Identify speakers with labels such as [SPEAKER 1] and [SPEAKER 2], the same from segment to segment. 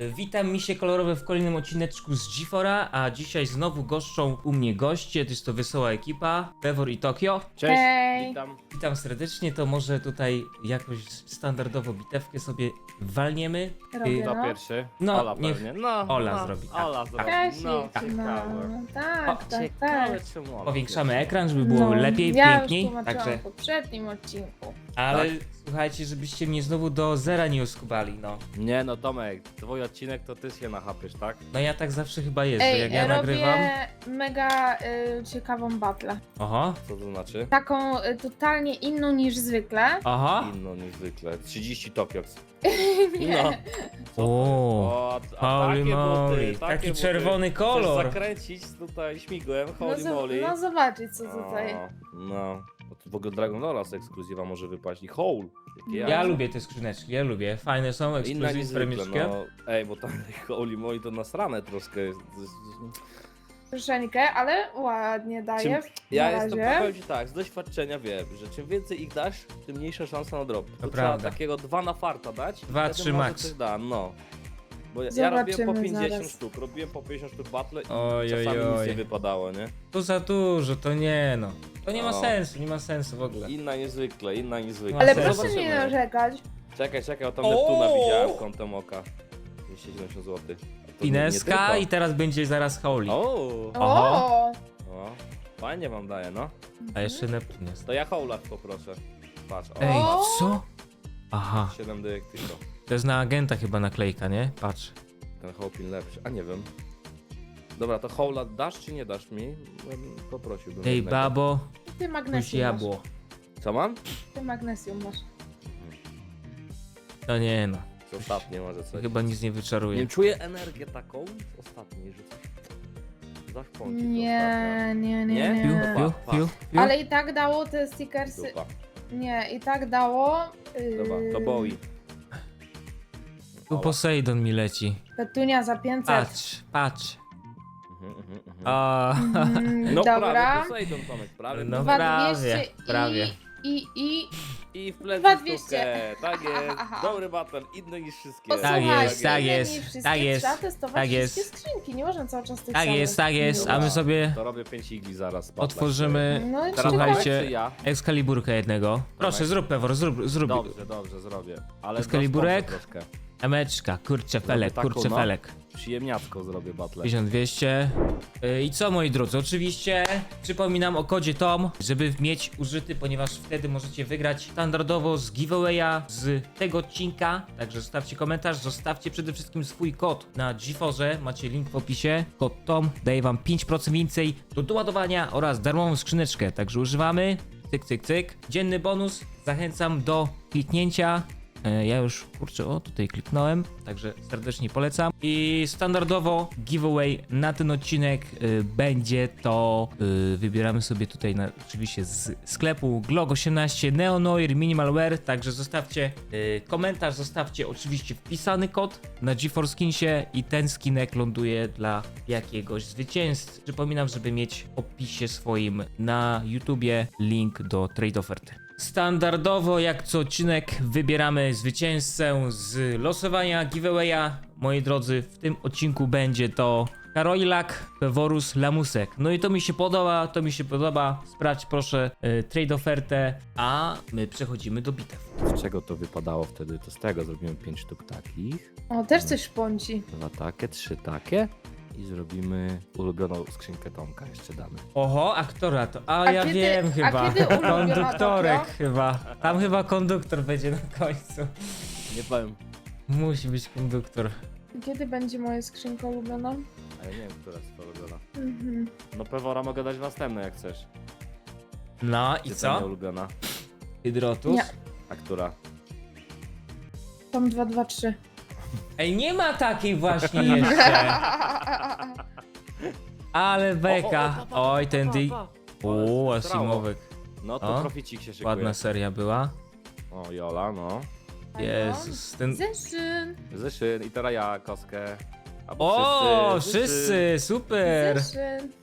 [SPEAKER 1] Witam misie kolorowe w kolejnym odcineczku z G4, a dzisiaj znowu goszczą u mnie goście, to jest to wesoła ekipa, Pewor i Tokio.
[SPEAKER 2] Cześć,
[SPEAKER 3] Hej.
[SPEAKER 2] witam.
[SPEAKER 1] Witam serdecznie, to może tutaj jakoś standardowo bitewkę sobie walniemy.
[SPEAKER 3] Robię,
[SPEAKER 2] Kto
[SPEAKER 3] no.
[SPEAKER 2] pierwszy?
[SPEAKER 1] No,
[SPEAKER 2] Ola
[SPEAKER 1] niech
[SPEAKER 2] pewnie. No,
[SPEAKER 1] Ola zrobi, tak.
[SPEAKER 2] Ola zrobi.
[SPEAKER 3] Cześć,
[SPEAKER 2] No,
[SPEAKER 3] no,
[SPEAKER 2] ciekawe.
[SPEAKER 3] tak, tak,
[SPEAKER 2] Ciekawe,
[SPEAKER 3] tak.
[SPEAKER 2] czemu Ola
[SPEAKER 1] Powiększamy
[SPEAKER 2] pierwsza.
[SPEAKER 1] ekran, żeby było lepiej,
[SPEAKER 3] ja
[SPEAKER 1] piękniej.
[SPEAKER 3] już tłumaczyłam
[SPEAKER 1] Także,
[SPEAKER 3] w poprzednim odcinku.
[SPEAKER 1] ale
[SPEAKER 2] Tak.
[SPEAKER 1] słuchajcie, żebyście mnie znowu do zera nie oskubali, no.
[SPEAKER 2] Nie no, Tomek, twój odcinek to ty się nachapiesz, tak?
[SPEAKER 1] No ja tak zawsze chyba jest, że jak ja
[SPEAKER 3] robię
[SPEAKER 1] nagrywam.
[SPEAKER 3] mega ciekawą batlę.
[SPEAKER 1] Oho,
[SPEAKER 2] Co to znaczy?
[SPEAKER 3] Taką totalnie inną niż zwykle.
[SPEAKER 1] aha.
[SPEAKER 2] Inno niż zwykle. 30 Tokioks.
[SPEAKER 3] Nie.
[SPEAKER 2] No.
[SPEAKER 1] O, holy
[SPEAKER 2] takie
[SPEAKER 1] moly,
[SPEAKER 2] buty, takie
[SPEAKER 1] taki
[SPEAKER 2] buty.
[SPEAKER 1] czerwony kolor.
[SPEAKER 2] Chcesz zakręcić tutaj śmigłem,
[SPEAKER 3] No,
[SPEAKER 2] holy moly.
[SPEAKER 3] no zobaczyć co tutaj.
[SPEAKER 2] No. Bo tu w ogóle Dragon Lore z ekskluzywa może wypaść i Hole. Jakie
[SPEAKER 1] Ja
[SPEAKER 2] jajce.
[SPEAKER 1] lubię te skrzyneczki, ja lubię. Fajne są,
[SPEAKER 2] Inna
[SPEAKER 1] ekskluzywne,
[SPEAKER 2] niż zwykle,
[SPEAKER 1] premiczkie.
[SPEAKER 2] no. Ej, bo tam holy moly to nasrane troszkę jest.
[SPEAKER 3] Troszeczkę, ale ładnie daje.
[SPEAKER 2] Ja
[SPEAKER 3] na
[SPEAKER 2] jestem,
[SPEAKER 3] razie.
[SPEAKER 2] powiem ci tak, z doświadczenia wiem, że czym więcej ich dasz, tym mniejsza szansa na drop. To trzeba
[SPEAKER 1] prawda.
[SPEAKER 2] takiego 2 na farta dać.
[SPEAKER 1] Dwa,
[SPEAKER 2] wtedy
[SPEAKER 1] trzy
[SPEAKER 2] może
[SPEAKER 1] max.
[SPEAKER 2] coś da, no. Bo ja
[SPEAKER 3] Zobaczymy
[SPEAKER 2] robiłem po 50
[SPEAKER 3] zaraz.
[SPEAKER 2] sztuk, robiłem po 50 sztuk battle i
[SPEAKER 1] Oj,
[SPEAKER 2] czasami
[SPEAKER 1] oj,
[SPEAKER 2] nic
[SPEAKER 1] oj.
[SPEAKER 2] nie wypadało, nie?
[SPEAKER 1] To za dużo, to nie no. To nie ma
[SPEAKER 2] No.
[SPEAKER 1] sensu, nie ma sensu w ogóle.
[SPEAKER 2] Inna niezwykle, inna niezwykle.
[SPEAKER 3] Ale
[SPEAKER 1] No,
[SPEAKER 3] proszę
[SPEAKER 2] zobaczymy.
[SPEAKER 3] nie narzekać.
[SPEAKER 2] Czekaj, o tam
[SPEAKER 1] O!
[SPEAKER 2] Neptuna widziałem kątem oka. 270 zł.
[SPEAKER 1] Pineska i teraz będzie zaraz Holy.
[SPEAKER 2] O!
[SPEAKER 1] Oho.
[SPEAKER 2] O! Fajnie wam daje, no.
[SPEAKER 1] A jeszcze Neptun jest.
[SPEAKER 2] To ja Howlach poproszę. Patrz, o,
[SPEAKER 1] Ej,
[SPEAKER 3] O!
[SPEAKER 1] co? Aha,
[SPEAKER 2] 7 dyk tylko.
[SPEAKER 1] to jest na agenta chyba naklejka, nie? Patrz.
[SPEAKER 2] Ten Hopin lepszy, a nie wiem. Dobra, to Howla dasz czy nie dasz mi? Poprosiłbym.
[SPEAKER 1] Ej,
[SPEAKER 2] jednego.
[SPEAKER 1] babo,
[SPEAKER 3] Ty
[SPEAKER 1] już
[SPEAKER 3] magnesium masz.
[SPEAKER 1] jabło.
[SPEAKER 2] Co mam?
[SPEAKER 3] Ty magnesium masz.
[SPEAKER 1] To nie no,
[SPEAKER 2] To ostatnie może coś.
[SPEAKER 1] chyba nic nie
[SPEAKER 2] Nie
[SPEAKER 1] wyczaruje.
[SPEAKER 2] wiem, czuję energię taką z ostatniej, że coś... Dasz pącik
[SPEAKER 3] Nie, nie, nie,
[SPEAKER 2] Nie?
[SPEAKER 1] Piu,
[SPEAKER 3] nie.
[SPEAKER 1] piu,
[SPEAKER 2] Pa,
[SPEAKER 1] piu, piu.
[SPEAKER 3] Ale i tak dało te stickersy.
[SPEAKER 2] Dupa.
[SPEAKER 3] Nie, i tak dało.
[SPEAKER 2] Dobra, to Bowie.
[SPEAKER 1] Tu Poseidon mi leci.
[SPEAKER 3] Petunia za 500.
[SPEAKER 1] Patrz.
[SPEAKER 2] Mhm.
[SPEAKER 1] O,
[SPEAKER 2] No
[SPEAKER 3] Dobra.
[SPEAKER 2] prawie, Poseidon Tomek, prawie.
[SPEAKER 1] No.
[SPEAKER 3] 2200
[SPEAKER 1] prawie.
[SPEAKER 3] i
[SPEAKER 2] I w plecy
[SPEAKER 3] 2200.
[SPEAKER 2] stówkę. Tak jest, dobry battle, inny niż wszystkie.
[SPEAKER 3] Posłuchaj,
[SPEAKER 1] Tak jest, tak
[SPEAKER 3] inne
[SPEAKER 1] jest,
[SPEAKER 3] niż wszystkie,
[SPEAKER 1] tak jest,
[SPEAKER 3] Trzeba testować
[SPEAKER 1] tak jest.
[SPEAKER 3] wszystkie skrzynki, nie można cały czas tych
[SPEAKER 1] tak
[SPEAKER 3] samych.
[SPEAKER 1] jest, tak jest, a my
[SPEAKER 2] Dobra.
[SPEAKER 1] sobie
[SPEAKER 2] To robię 5 igli zaraz. battle.
[SPEAKER 1] otworzymy
[SPEAKER 3] No i
[SPEAKER 2] Teraz
[SPEAKER 1] Słuchajcie.
[SPEAKER 2] Tomek czy ja?
[SPEAKER 1] Excaliburkę jednego. Proszę, zrób Pewor, zrób.
[SPEAKER 2] Dobrze, zrobię. Ale
[SPEAKER 1] Excaliburek?
[SPEAKER 2] dość troszkę.
[SPEAKER 1] Emeczka, kurczę felek,
[SPEAKER 2] taką,
[SPEAKER 1] kurczę
[SPEAKER 2] no.
[SPEAKER 1] felek.
[SPEAKER 2] Przyjemniacko zrobię battle.
[SPEAKER 1] 1200. I co moi drodzy, oczywiście przypominam o kodzie TOM, żeby mieć użyty, ponieważ wtedy możecie wygrać standardowo z giveawaya z tego odcinka. Także zostawcie komentarz, zostawcie przede wszystkim swój kod na GeForce, macie link w opisie. Kod TOM daje wam 5% więcej do doładowania oraz darmową skrzyneczkę, także używamy. Cyk, cyk, cyk. Dzienny bonus, zachęcam do kliknięcia. Ja już, kurczę, tutaj kliknąłem, także serdecznie polecam. I standardowo giveaway na ten odcinek będzie to, wybieramy sobie tutaj oczywiście z sklepu Glog18 Neonoir Minimalware, także zostawcie komentarz, zostawcie oczywiście wpisany kod na GeForce Skinsie i ten skinek ląduje dla jakiegoś zwycięzcy. Przypominam, żeby mieć w opisie swoim na YouTubie link do trade oferty. Standardowo, jak co odcinek, wybieramy zwycięzcę z losowania giveawaya. Moi drodzy, w tym odcinku będzie to Karoilak, Peworus, Lamusek. No i to mi się podoba, Sprawdź proszę trade ofertę, a my przechodzimy do bitew.
[SPEAKER 2] Z czego to wypadało wtedy? To z tego zrobimy 5 sztuk takich.
[SPEAKER 3] O, też coś szponci.
[SPEAKER 2] 2 takie, 3 takie. I zrobimy ulubioną skrzynkę Tomka, jeszcze damy.
[SPEAKER 1] Oho, aktora to,
[SPEAKER 3] A
[SPEAKER 1] ja
[SPEAKER 3] kiedy-
[SPEAKER 1] wiem
[SPEAKER 3] a
[SPEAKER 1] chyba,
[SPEAKER 3] kiedy ulubiona
[SPEAKER 1] konduktorek
[SPEAKER 3] Tokio?
[SPEAKER 1] chyba, tam chyba konduktor będzie na końcu.
[SPEAKER 2] Nie powiem.
[SPEAKER 1] Musi być konduktor.
[SPEAKER 3] Kiedy będzie moja skrzynka ulubiona?
[SPEAKER 2] A ja nie wiem, która jest twoja ulubiona.
[SPEAKER 3] Mhm.
[SPEAKER 2] No Pewora mogę dać następne jak chcesz.
[SPEAKER 1] No i
[SPEAKER 2] Gdzie
[SPEAKER 1] co?
[SPEAKER 2] ta ulubiona?
[SPEAKER 1] Hydrotus?
[SPEAKER 3] Nie.
[SPEAKER 2] A która?
[SPEAKER 3] Tom 223.
[SPEAKER 1] Ej, nie ma takiej właśnie jeszcze. Ale beka. Oj, ten di... O, Asimowek.
[SPEAKER 2] No to
[SPEAKER 1] O,
[SPEAKER 2] proficik się szykuje.
[SPEAKER 1] Ładna seria była.
[SPEAKER 2] O, Jola, no.
[SPEAKER 1] Jezus, ten...
[SPEAKER 3] Zeszyn.
[SPEAKER 2] Zeszyn i teraz ja kostkę.
[SPEAKER 1] O, wszyscy, super.
[SPEAKER 3] Zeszyn.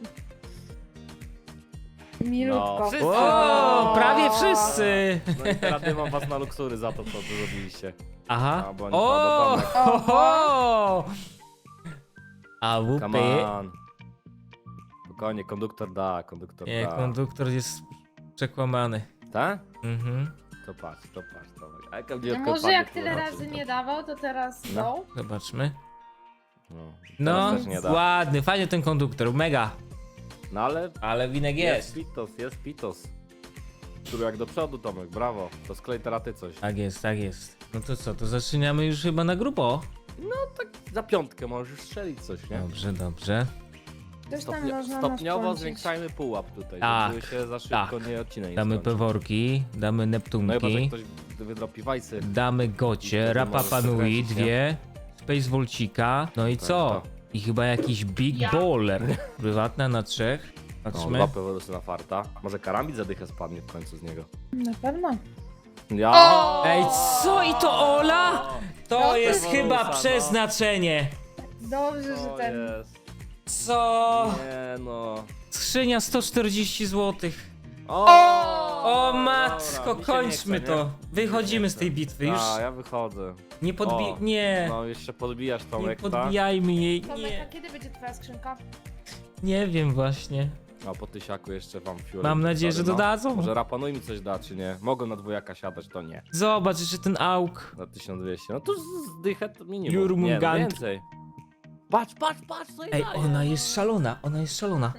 [SPEAKER 3] Milutko.
[SPEAKER 2] No, wszyscy.
[SPEAKER 1] O, prawie wszyscy.
[SPEAKER 2] No i teraz nie mam was na luksury za to, co tu zrobiliście.
[SPEAKER 1] Aha.
[SPEAKER 2] A, bo oni
[SPEAKER 1] O!
[SPEAKER 2] Tomek.
[SPEAKER 1] Ho, ho! A
[SPEAKER 2] Come
[SPEAKER 1] łupy.
[SPEAKER 2] on. Spokojnie, konduktor da, konduktor
[SPEAKER 1] Nie,
[SPEAKER 2] da.
[SPEAKER 1] konduktor jest przekłamany.
[SPEAKER 2] Tak?
[SPEAKER 1] Mhm.
[SPEAKER 2] To patrz, Tomek. A jaka
[SPEAKER 3] No
[SPEAKER 2] mnie
[SPEAKER 3] może jak tyle razy nie dawał, to teraz
[SPEAKER 2] No.
[SPEAKER 3] no.
[SPEAKER 1] Zobaczmy.
[SPEAKER 2] No,
[SPEAKER 1] No,
[SPEAKER 2] teraz też nie da.
[SPEAKER 1] ładny, fajny ten konduktor, mega.
[SPEAKER 2] No ale
[SPEAKER 1] Ale winek jest.
[SPEAKER 2] jest Pitos. Który jak do przodu, Tomek, brawo. To sklej teraz ty coś.
[SPEAKER 1] Tak jest, tak jest. No to co, to zaczynamy już chyba na grubo.
[SPEAKER 2] Za piątkę możesz strzelić coś, nie?
[SPEAKER 1] Dobrze, dobrze.
[SPEAKER 3] Coś tam można
[SPEAKER 2] Stopniowo
[SPEAKER 3] nas
[SPEAKER 2] zwiększajmy pułap tutaj,
[SPEAKER 1] Tak,
[SPEAKER 2] żeby się za szybko
[SPEAKER 1] tak.
[SPEAKER 2] nie odcinaj.
[SPEAKER 1] Damy peworki, damy
[SPEAKER 2] No chyba, że
[SPEAKER 1] neptunki,
[SPEAKER 2] ktoś wydropi wajsy.
[SPEAKER 1] damy
[SPEAKER 2] I
[SPEAKER 1] gocie,
[SPEAKER 2] wtedy
[SPEAKER 1] Rapa
[SPEAKER 2] możesz
[SPEAKER 1] Panui,
[SPEAKER 2] przekręcić, nie?
[SPEAKER 1] dwie, Space Volcika, no i
[SPEAKER 2] Tak,
[SPEAKER 1] co?
[SPEAKER 2] to.
[SPEAKER 1] I chyba jakiś Big Baller. Prywatna na 3.
[SPEAKER 2] No,
[SPEAKER 1] Patrzmy.
[SPEAKER 2] 2 peworusy na farta. Może karambit zadychę spadnie w końcu z niego.
[SPEAKER 3] Na pewno.
[SPEAKER 2] Ja!
[SPEAKER 1] Ej, co i to Ola? To
[SPEAKER 3] No,
[SPEAKER 1] jest
[SPEAKER 2] to
[SPEAKER 1] chyba
[SPEAKER 2] Walusa, no.
[SPEAKER 1] przeznaczenie.
[SPEAKER 3] Dobrze, że
[SPEAKER 2] To
[SPEAKER 3] ten.
[SPEAKER 2] jest.
[SPEAKER 1] Co?
[SPEAKER 2] Nie no.
[SPEAKER 1] Skrzynia 140 zł.
[SPEAKER 2] O,
[SPEAKER 1] O matko,
[SPEAKER 2] dobra, mi się
[SPEAKER 1] kończmy
[SPEAKER 2] nie chce,
[SPEAKER 1] to.
[SPEAKER 2] nie?
[SPEAKER 1] Wychodzimy
[SPEAKER 2] Nie
[SPEAKER 1] z tej
[SPEAKER 2] chce.
[SPEAKER 1] bitwy. Już
[SPEAKER 2] A, ja wychodzę.
[SPEAKER 1] nie
[SPEAKER 2] O,
[SPEAKER 1] Nie.
[SPEAKER 2] No, jeszcze podbijasz
[SPEAKER 1] Nie
[SPEAKER 2] Tomek, tak?
[SPEAKER 1] podbijajmy jej.
[SPEAKER 3] Tomek, a
[SPEAKER 1] Nie.
[SPEAKER 3] kiedy będzie twoja skrzynka?
[SPEAKER 1] Nie wiem właśnie.
[SPEAKER 2] No, po tysiaku jeszcze wam fiolę.
[SPEAKER 1] Mam nadzieję, że dodadzą.
[SPEAKER 2] Może Rapanuj mi coś da, czy nie? Mogą na dwójaka siadać, to nie.
[SPEAKER 1] Zobacz jeszcze ten auk.
[SPEAKER 2] Na 1200. No to zdychę to minimum. Nie, no
[SPEAKER 1] Jurmungand.
[SPEAKER 2] więcej. Patrz, co jej
[SPEAKER 1] Ej,
[SPEAKER 2] daje.
[SPEAKER 1] ona jest szalona, ona jest szalona.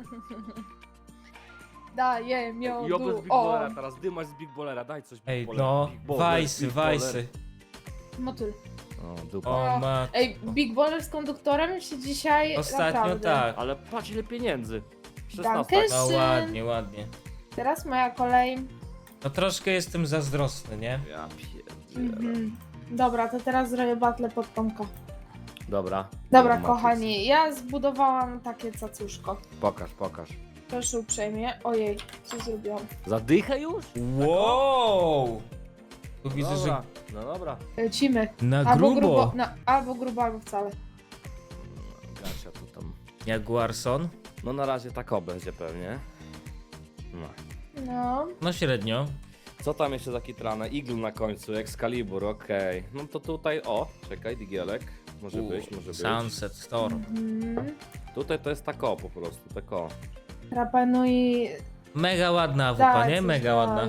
[SPEAKER 3] Daję
[SPEAKER 2] I
[SPEAKER 3] miodu.
[SPEAKER 2] oby z Big
[SPEAKER 3] O,
[SPEAKER 2] Ballera, teraz dymasz z Big Ballera, daj coś Big
[SPEAKER 1] Ej,
[SPEAKER 2] Ballera.
[SPEAKER 1] no,
[SPEAKER 2] Big Baller,
[SPEAKER 1] wajsy,
[SPEAKER 2] Big Baller.
[SPEAKER 1] wajsy.
[SPEAKER 3] motyl.
[SPEAKER 2] O, dupa.
[SPEAKER 1] O ma...
[SPEAKER 3] Ej, Big Baller z konduktorem się dzisiaj
[SPEAKER 1] Ostatnio
[SPEAKER 3] naprawdę.
[SPEAKER 1] tak.
[SPEAKER 2] Ale patrz ile pieniędzy. 16.
[SPEAKER 3] Danke.
[SPEAKER 1] No
[SPEAKER 3] Syn.
[SPEAKER 1] ładnie, ładnie.
[SPEAKER 3] Teraz moja kolej.
[SPEAKER 1] No troszkę jestem zazdrosny, nie?
[SPEAKER 2] Ja pierdzielę.
[SPEAKER 3] Mhm. Dobra, to teraz zrobię battle pod Tomka.
[SPEAKER 2] Dobra.
[SPEAKER 3] Dobra,
[SPEAKER 2] Matrix.
[SPEAKER 3] kochani, ja zbudowałam takie cacuszko.
[SPEAKER 2] Pokaż.
[SPEAKER 3] Proszę uprzejmie. Ojej, co zrobiłam?
[SPEAKER 2] Zadychę już?
[SPEAKER 1] Wow! Tu widzę,
[SPEAKER 2] Dobra. No dobra.
[SPEAKER 3] Lecimy.
[SPEAKER 1] że na
[SPEAKER 3] Albo
[SPEAKER 1] grubo.
[SPEAKER 3] grubo, no, albo grubo, albo wcale.
[SPEAKER 2] Gasia tu tam.
[SPEAKER 1] Jaguarson?
[SPEAKER 2] No na razie tak będzie pewnie. No.
[SPEAKER 3] No.
[SPEAKER 1] No średnio.
[SPEAKER 2] Co tam jeszcze za kitrane? Eagle na końcu, Excalibur, okej. No to tutaj, o, czekaj, digielek. Może być.
[SPEAKER 1] Sunset Storm.
[SPEAKER 3] Mhm.
[SPEAKER 2] Tutaj to jest tako po prostu, tako.
[SPEAKER 3] Rapanui.
[SPEAKER 1] Mega ładna awupa,
[SPEAKER 3] Daj
[SPEAKER 1] nie?
[SPEAKER 3] coś,
[SPEAKER 1] Mega
[SPEAKER 3] daj.
[SPEAKER 1] ładna.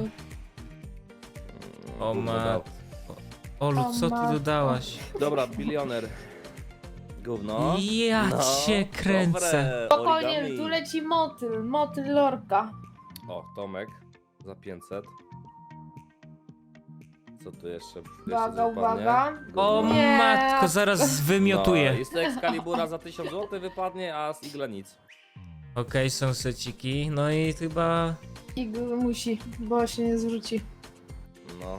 [SPEAKER 1] O ma... Olu,
[SPEAKER 3] O
[SPEAKER 1] co ty
[SPEAKER 3] matko.
[SPEAKER 1] dodałaś?
[SPEAKER 2] Dobra, bilioner. Gówno.
[SPEAKER 1] Ja
[SPEAKER 2] No,
[SPEAKER 1] cię kręcę.
[SPEAKER 2] dobre,
[SPEAKER 3] Spokojnie,
[SPEAKER 2] origami.
[SPEAKER 3] tu leci motyl lorka.
[SPEAKER 2] O, Tomek. Za 500. Co tu jeszcze?
[SPEAKER 3] Uwaga,
[SPEAKER 2] wypadnie?
[SPEAKER 3] uwaga.
[SPEAKER 1] O
[SPEAKER 2] Gówno.
[SPEAKER 3] Nie.
[SPEAKER 1] matko, zaraz
[SPEAKER 2] No,
[SPEAKER 1] wymiotuję.
[SPEAKER 2] jest to Excalibura za 1000 zł wypadnie, a z Igla nic.
[SPEAKER 1] Okej, są seciki. No i chyba...
[SPEAKER 3] I musi, bo się nie zwróci.
[SPEAKER 2] No.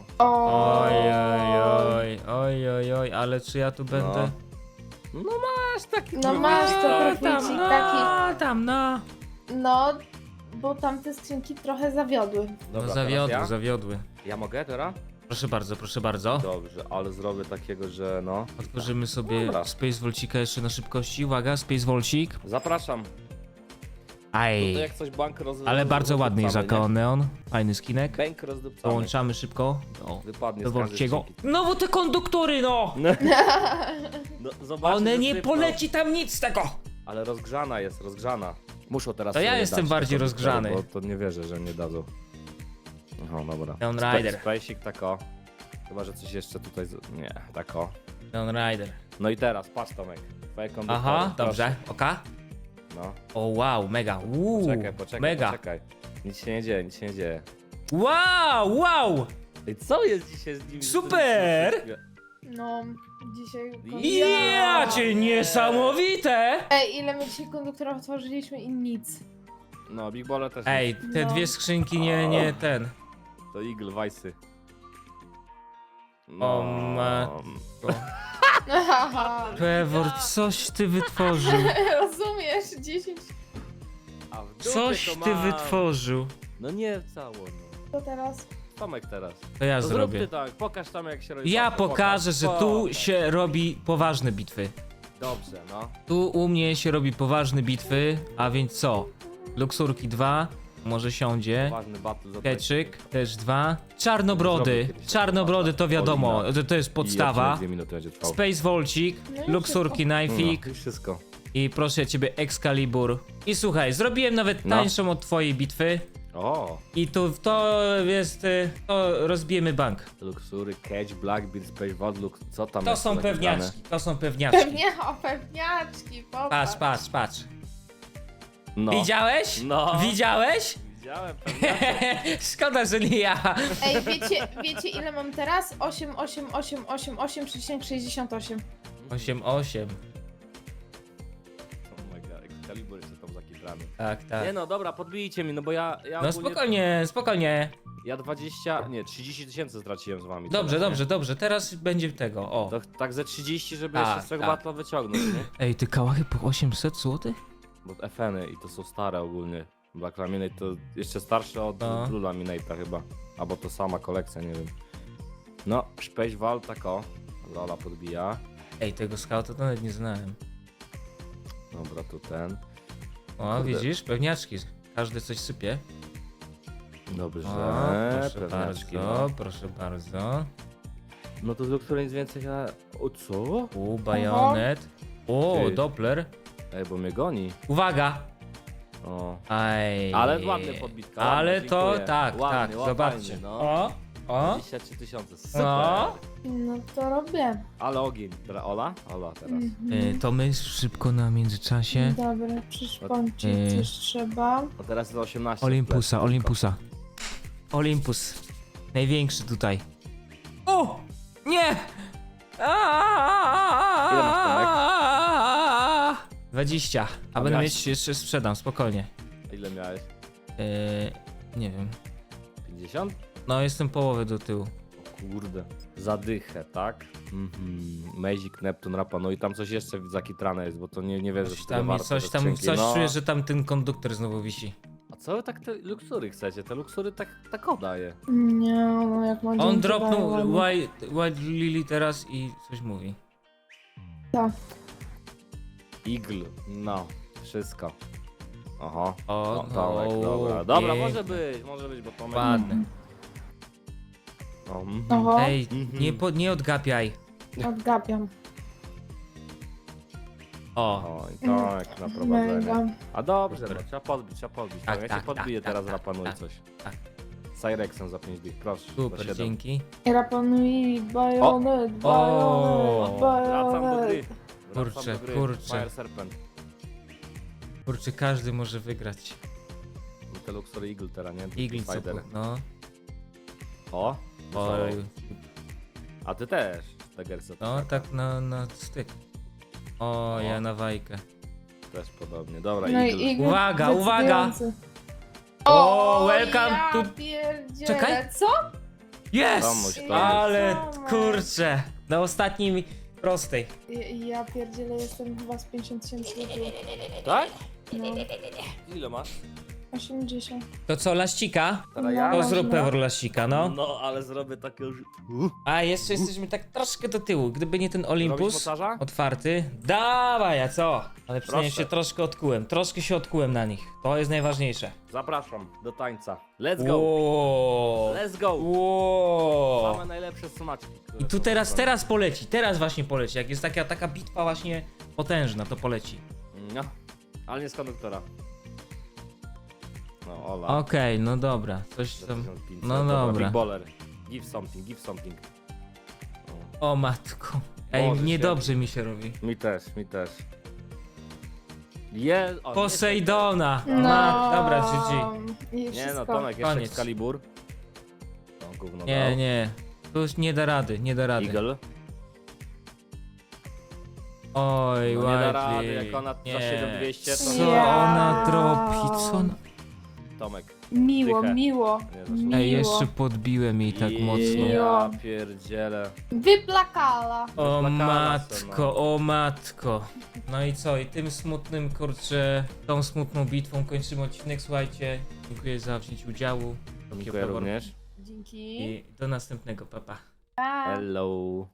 [SPEAKER 1] Oj, ale czy ja tu będę...
[SPEAKER 2] No masz taki
[SPEAKER 3] No masz to
[SPEAKER 2] profil.
[SPEAKER 3] proficik taki.
[SPEAKER 1] tam, no.
[SPEAKER 3] No, bo tamte skrzynki trochę zawiodły.
[SPEAKER 1] No
[SPEAKER 2] Dobra,
[SPEAKER 1] zawiodły,
[SPEAKER 2] teraz
[SPEAKER 1] zawiodły.
[SPEAKER 2] ja mogę teraz?
[SPEAKER 1] Proszę bardzo, proszę bardzo.
[SPEAKER 2] Dobrze, ale zrobię takiego, że no.
[SPEAKER 1] Otworzymy sobie
[SPEAKER 2] Dobra.
[SPEAKER 1] Space Volcika jeszcze na szybkości. Uwaga, Space Volcik.
[SPEAKER 2] Zapraszam.
[SPEAKER 1] Aj.
[SPEAKER 2] Tutaj jak coś bank
[SPEAKER 1] Ale bardzo ładny jest jako neon. Fajny skinek.
[SPEAKER 2] Bank rozdupcamy.
[SPEAKER 1] Połączamy szybko. O,
[SPEAKER 2] Wypadnie
[SPEAKER 1] do
[SPEAKER 2] z każdej
[SPEAKER 1] Volciego.
[SPEAKER 2] skrzynki.
[SPEAKER 1] No bo te konduktory, no!
[SPEAKER 2] No, zobaczcie,
[SPEAKER 1] One
[SPEAKER 2] że
[SPEAKER 1] nie
[SPEAKER 2] sypną.
[SPEAKER 1] poleci tam nic z tego!
[SPEAKER 2] Ale rozgrzana jest, rozgrzana. Muszą teraz
[SPEAKER 1] To ja
[SPEAKER 2] sobie
[SPEAKER 1] jestem
[SPEAKER 2] dać
[SPEAKER 1] bardziej
[SPEAKER 2] te
[SPEAKER 1] rozgrzany.
[SPEAKER 2] Bo to nie wierzę, że nie dadzą. O, dobra.
[SPEAKER 1] Tomb Raider.
[SPEAKER 2] Spacek, tako. Chyba, że coś jeszcze tutaj... Nie, tako.
[SPEAKER 1] Tomb Raider.
[SPEAKER 2] No i teraz, patrz Tomek. Twoje konduktory,
[SPEAKER 1] Aha,
[SPEAKER 2] proszę.
[SPEAKER 1] dobrze. Oka?
[SPEAKER 2] No,
[SPEAKER 1] O wow, mega.
[SPEAKER 2] poczekaj,
[SPEAKER 1] Mega.
[SPEAKER 2] poczekaj. Nic się nie dzieje, nic się nie dzieje.
[SPEAKER 1] Wow!
[SPEAKER 2] Ej, co jest dzisiaj z nimi?
[SPEAKER 1] Super!
[SPEAKER 3] No, dzisiaj...
[SPEAKER 1] Ja cię niesamowite!
[SPEAKER 3] Ej, ile my dzisiaj konduktorów otworzyliśmy i nic.
[SPEAKER 2] No, Big Baller też
[SPEAKER 1] Ej, te
[SPEAKER 3] No.
[SPEAKER 1] dwie skrzynki nie ten.
[SPEAKER 2] nic. To Eagle, Weissy.
[SPEAKER 1] O matko.
[SPEAKER 3] Haha.
[SPEAKER 1] Pewor, coś ty wytworzył.
[SPEAKER 3] Rozumiesz, 10.
[SPEAKER 2] A w dupie
[SPEAKER 1] Coś
[SPEAKER 2] to
[SPEAKER 1] ty
[SPEAKER 2] mam.
[SPEAKER 1] wytworzył.
[SPEAKER 2] No nie cało, no.
[SPEAKER 3] Co teraz?
[SPEAKER 2] Tomek teraz.
[SPEAKER 1] To ja
[SPEAKER 2] To zrób
[SPEAKER 1] zrobię.
[SPEAKER 2] ty tak, pokaż tam jak się robi.
[SPEAKER 1] Ja
[SPEAKER 2] Pokaż,
[SPEAKER 1] pokażę, że tu
[SPEAKER 2] pokaż.
[SPEAKER 1] się robi poważne bitwy.
[SPEAKER 2] Dobrze, no.
[SPEAKER 1] Tu u mnie się robi poważne bitwy, a więc co? Luksurki 2, może siądzie.
[SPEAKER 2] Ważny battle za
[SPEAKER 1] Keczyk, też 2. Czarnobrody.
[SPEAKER 2] Zrobię kiedyś
[SPEAKER 1] Czarnobrody to wiadomo,
[SPEAKER 2] Olina.
[SPEAKER 1] to jest podstawa.
[SPEAKER 2] 2 minuty będzie trwał.
[SPEAKER 1] Space Volcik,
[SPEAKER 3] No i
[SPEAKER 1] Luxurki Knife'ik
[SPEAKER 2] No, i wszystko.
[SPEAKER 1] i proszę ciebie Excalibur. I słuchaj, zrobiłem nawet
[SPEAKER 2] No.
[SPEAKER 1] tańszą od twojej bitwy.
[SPEAKER 2] O,
[SPEAKER 1] I tu to jest, to rozbijemy bank.
[SPEAKER 2] Luxury, Cage, Blackbeard, Space Vault, co tam
[SPEAKER 1] To
[SPEAKER 2] jest
[SPEAKER 1] są
[SPEAKER 2] zapisane?
[SPEAKER 1] pewniaczki, to są pewniaczki.
[SPEAKER 3] Pewnie, o pewniaczki, popatrz.
[SPEAKER 1] Patrz, patrz, patrz.
[SPEAKER 2] No.
[SPEAKER 1] Widziałeś?
[SPEAKER 2] No.
[SPEAKER 1] Widziałeś?
[SPEAKER 2] Widziałem pewniaczek.
[SPEAKER 1] Szkoda, że nie ja.
[SPEAKER 3] Ej, wiecie ile mam teraz? 8,68.
[SPEAKER 1] 8-8.
[SPEAKER 2] Oh my god, Excalibur jeszcze tam zakitrany.
[SPEAKER 1] Tak, tak.
[SPEAKER 2] Nie no, dobra, podbijcie mi, no bo ja
[SPEAKER 1] No
[SPEAKER 2] ogólnie,
[SPEAKER 1] spokojnie, spokojnie.
[SPEAKER 2] Ja 30 tysięcy straciłem z wami.
[SPEAKER 1] Dobrze,
[SPEAKER 2] teraz, nie?
[SPEAKER 1] dobrze, dobrze. Teraz będzie tego, o.
[SPEAKER 2] To, tak ze 30, żeby
[SPEAKER 1] Tak,
[SPEAKER 2] jeszcze z tego
[SPEAKER 1] tak.
[SPEAKER 2] batla wyciągnąć, nie?
[SPEAKER 1] Ej, ty kałachy po 800 zł?
[SPEAKER 2] Bo FN-y i to są stare ogólnie. Black Laminate to jeszcze starsze od
[SPEAKER 1] No.
[SPEAKER 2] Blue Laminate'a chyba. Albo to sama kolekcja, nie wiem. No, Space Vault tak o. Lola podbija.
[SPEAKER 1] Ej, tego skauta to nawet nie znałem.
[SPEAKER 2] Dobra, tu ten.
[SPEAKER 1] O,
[SPEAKER 2] Kurde.
[SPEAKER 1] widzisz? Pewniaczki. Każdy coś sypie.
[SPEAKER 2] Dobrze,
[SPEAKER 1] O, proszę
[SPEAKER 2] pewniaczki,
[SPEAKER 1] bardzo,
[SPEAKER 2] no.
[SPEAKER 1] proszę bardzo.
[SPEAKER 2] No to do której nic więcej ja... O co?
[SPEAKER 1] Bajonet. O,
[SPEAKER 2] Ty.
[SPEAKER 1] Doppler.
[SPEAKER 2] Ej, bo mnie goni.
[SPEAKER 1] Uwaga!
[SPEAKER 2] O.
[SPEAKER 1] Aj.
[SPEAKER 2] Ale ładnie podbitka.
[SPEAKER 1] Ale
[SPEAKER 2] ładnie,
[SPEAKER 1] to
[SPEAKER 2] dziękuję.
[SPEAKER 1] tak,
[SPEAKER 2] ładnie,
[SPEAKER 1] tak,
[SPEAKER 2] ładnie,
[SPEAKER 1] zobaczcie.
[SPEAKER 2] no.
[SPEAKER 1] O,
[SPEAKER 2] 23 tysiące, super.
[SPEAKER 1] No.
[SPEAKER 3] No to robię.
[SPEAKER 2] Ale ogień. Dobra, Ola? Ola teraz.
[SPEAKER 1] To my szybko na międzyczasie.
[SPEAKER 3] Dobra, przyszpącić
[SPEAKER 1] Y.
[SPEAKER 3] coś trzeba.
[SPEAKER 2] No teraz jest 18.
[SPEAKER 1] Olympusa,
[SPEAKER 2] Tylko.
[SPEAKER 1] Olympusa. Olympus. Największy tutaj. O! Nie!
[SPEAKER 2] Ile masz, Tomek?
[SPEAKER 1] 20. A
[SPEAKER 2] A
[SPEAKER 1] będę
[SPEAKER 2] miałeś-
[SPEAKER 1] mieć jeszcze sprzedam, spokojnie.
[SPEAKER 2] Ile miałeś?
[SPEAKER 1] Nie wiem.
[SPEAKER 2] 50?
[SPEAKER 1] No jestem połowę do tyłu.
[SPEAKER 2] O kurde. Zadychę, tak? Magic, Neptun, Rapa, no i tam coś jeszcze zakitrane jest, bo to nie wierzę, że
[SPEAKER 1] Coś
[SPEAKER 2] tyle
[SPEAKER 1] tam,
[SPEAKER 2] warto
[SPEAKER 1] coś
[SPEAKER 2] te
[SPEAKER 1] tam,
[SPEAKER 2] skrzynki.
[SPEAKER 1] coś
[SPEAKER 2] No.
[SPEAKER 1] czuję, że tam ten konduktor znowu wisi.
[SPEAKER 2] A co wy tak te luksury chcecie? Te luksury tak oddaje.
[SPEAKER 3] Nie, no jak mam
[SPEAKER 1] On
[SPEAKER 3] dzięki
[SPEAKER 1] dropnął
[SPEAKER 3] daję,
[SPEAKER 1] White Lily teraz i coś mówi.
[SPEAKER 3] Tak.
[SPEAKER 2] Eagle, no, wszystko. Aha.
[SPEAKER 1] O,
[SPEAKER 2] No, Tomek, dobra. Dobra, może być, bo Tomek...
[SPEAKER 1] Ładne.
[SPEAKER 2] No,
[SPEAKER 3] Oho,
[SPEAKER 1] Ej, nie odgapiaj.
[SPEAKER 3] odgapiam.
[SPEAKER 1] O,
[SPEAKER 2] Oj, tak, na prowadzenie.
[SPEAKER 3] Mega.
[SPEAKER 2] A dobrze,
[SPEAKER 1] Super.
[SPEAKER 2] no, trzeba podbić.
[SPEAKER 1] Tak,
[SPEAKER 2] Ja
[SPEAKER 1] tak,
[SPEAKER 2] cię podbiję
[SPEAKER 1] tak,
[SPEAKER 2] teraz,
[SPEAKER 1] tak,
[SPEAKER 2] rapanuj
[SPEAKER 1] tak,
[SPEAKER 2] coś.
[SPEAKER 1] tak.
[SPEAKER 2] Cyrexem za 5 dych, proszę. za
[SPEAKER 1] super,
[SPEAKER 2] 7.
[SPEAKER 1] dzięki.
[SPEAKER 3] Rapanui, bajonet,
[SPEAKER 1] O.
[SPEAKER 2] Wracam do gry.
[SPEAKER 3] bajonet.
[SPEAKER 2] Wracam do gry.
[SPEAKER 1] Kurczę.
[SPEAKER 2] Fire Serpent.
[SPEAKER 1] Kurczę, każdy może wygrać.
[SPEAKER 2] No te Luxury Eagle teraz, nie?
[SPEAKER 1] Eagle co
[SPEAKER 2] Spider.
[SPEAKER 1] no.
[SPEAKER 2] O,
[SPEAKER 1] Oj,
[SPEAKER 2] a ty też, Tegerce.
[SPEAKER 1] no tak na styk. O, ja na wajkę.
[SPEAKER 2] Też podobnie. Dobra,
[SPEAKER 3] No
[SPEAKER 2] Eagle.
[SPEAKER 3] i Igor
[SPEAKER 1] Uwaga, uwaga!
[SPEAKER 3] decydujący.
[SPEAKER 1] O, welcome
[SPEAKER 3] ja
[SPEAKER 1] to-
[SPEAKER 3] pierdzielę.
[SPEAKER 1] Czekaj.
[SPEAKER 3] Co?
[SPEAKER 2] Tomuś,
[SPEAKER 1] Jest!
[SPEAKER 2] Tomuś.
[SPEAKER 1] Ale
[SPEAKER 3] Tomek.
[SPEAKER 1] kurczę, na ostatniej prostej.
[SPEAKER 3] Ja pierdzielę, jestem chyba z 50 tysięcy do tyłu.
[SPEAKER 2] Tak?
[SPEAKER 3] No,
[SPEAKER 2] Ile masz?
[SPEAKER 3] 80.
[SPEAKER 1] To co, laścika?
[SPEAKER 2] Teraz
[SPEAKER 3] No.
[SPEAKER 2] ja?
[SPEAKER 1] To
[SPEAKER 3] Można.
[SPEAKER 1] zrób pewor laścika, no.
[SPEAKER 2] No, ale zrobię takie już...
[SPEAKER 1] A jeszcze jesteśmy tak troszkę do tyłu. Gdyby nie ten
[SPEAKER 2] Robisz
[SPEAKER 1] Olympus
[SPEAKER 2] mocarza?
[SPEAKER 1] otwarty. Dawaj, a co? Ale przynajmniej
[SPEAKER 2] Proszę.
[SPEAKER 1] się troszkę odkułem. Troszkę się odkułem na nich. To jest najważniejsze.
[SPEAKER 2] Zapraszam do tańca. Let's go!
[SPEAKER 1] Wow.
[SPEAKER 2] Let's go!
[SPEAKER 1] Wow.
[SPEAKER 2] Same najlepsze smaczki. które
[SPEAKER 1] I tu
[SPEAKER 2] są
[SPEAKER 1] teraz
[SPEAKER 2] zrobione.
[SPEAKER 1] poleci. Teraz właśnie poleci. Jak jest taka bitwa właśnie potężna, to poleci.
[SPEAKER 2] No, ale nie z konduktora. No, Ola.
[SPEAKER 1] Okej, no dobra. Coś
[SPEAKER 2] Za
[SPEAKER 1] tam.
[SPEAKER 2] 1500.
[SPEAKER 1] No dobra.
[SPEAKER 2] Big baller. Give something, give something. O,
[SPEAKER 1] O matko. Ej,
[SPEAKER 2] Boże
[SPEAKER 1] niedobrze mi się robi.
[SPEAKER 2] mi też. O,
[SPEAKER 1] Posejdona.
[SPEAKER 3] No.
[SPEAKER 1] Dobra, GG.
[SPEAKER 3] I
[SPEAKER 2] Nie
[SPEAKER 3] wszystko.
[SPEAKER 2] no, Tomek, jeszcze
[SPEAKER 1] Koniec.
[SPEAKER 2] Excalibur. No, gówno
[SPEAKER 1] Nie,
[SPEAKER 2] dał.
[SPEAKER 1] nie. Tu już nie da rady, nie da rady.
[SPEAKER 2] Eagle.
[SPEAKER 1] Oj,
[SPEAKER 2] No, nie da
[SPEAKER 1] ładnie.
[SPEAKER 2] rady, jak ona za 7200 to...
[SPEAKER 1] Co
[SPEAKER 3] Ja.
[SPEAKER 1] ona dropi? Co ona...
[SPEAKER 2] Tomek.
[SPEAKER 3] Miło,
[SPEAKER 2] Dychę.
[SPEAKER 3] miło,
[SPEAKER 2] Nie, zaczyna.
[SPEAKER 3] miło.
[SPEAKER 1] Ej, jeszcze podbiłem jej tak mocno.
[SPEAKER 2] Ja pierdzielę.
[SPEAKER 3] Wyplakala.
[SPEAKER 1] O
[SPEAKER 2] Wyplakała se,
[SPEAKER 1] matko, o matko. No i co? I tym smutnym, kurczę, tą smutną bitwą kończymy odcinek. Słuchajcie, dziękuję za wzięcie udziału.
[SPEAKER 2] Dziękuję również.
[SPEAKER 3] Dzięki.
[SPEAKER 1] I do następnego, papa.
[SPEAKER 3] Pa.
[SPEAKER 2] Hello.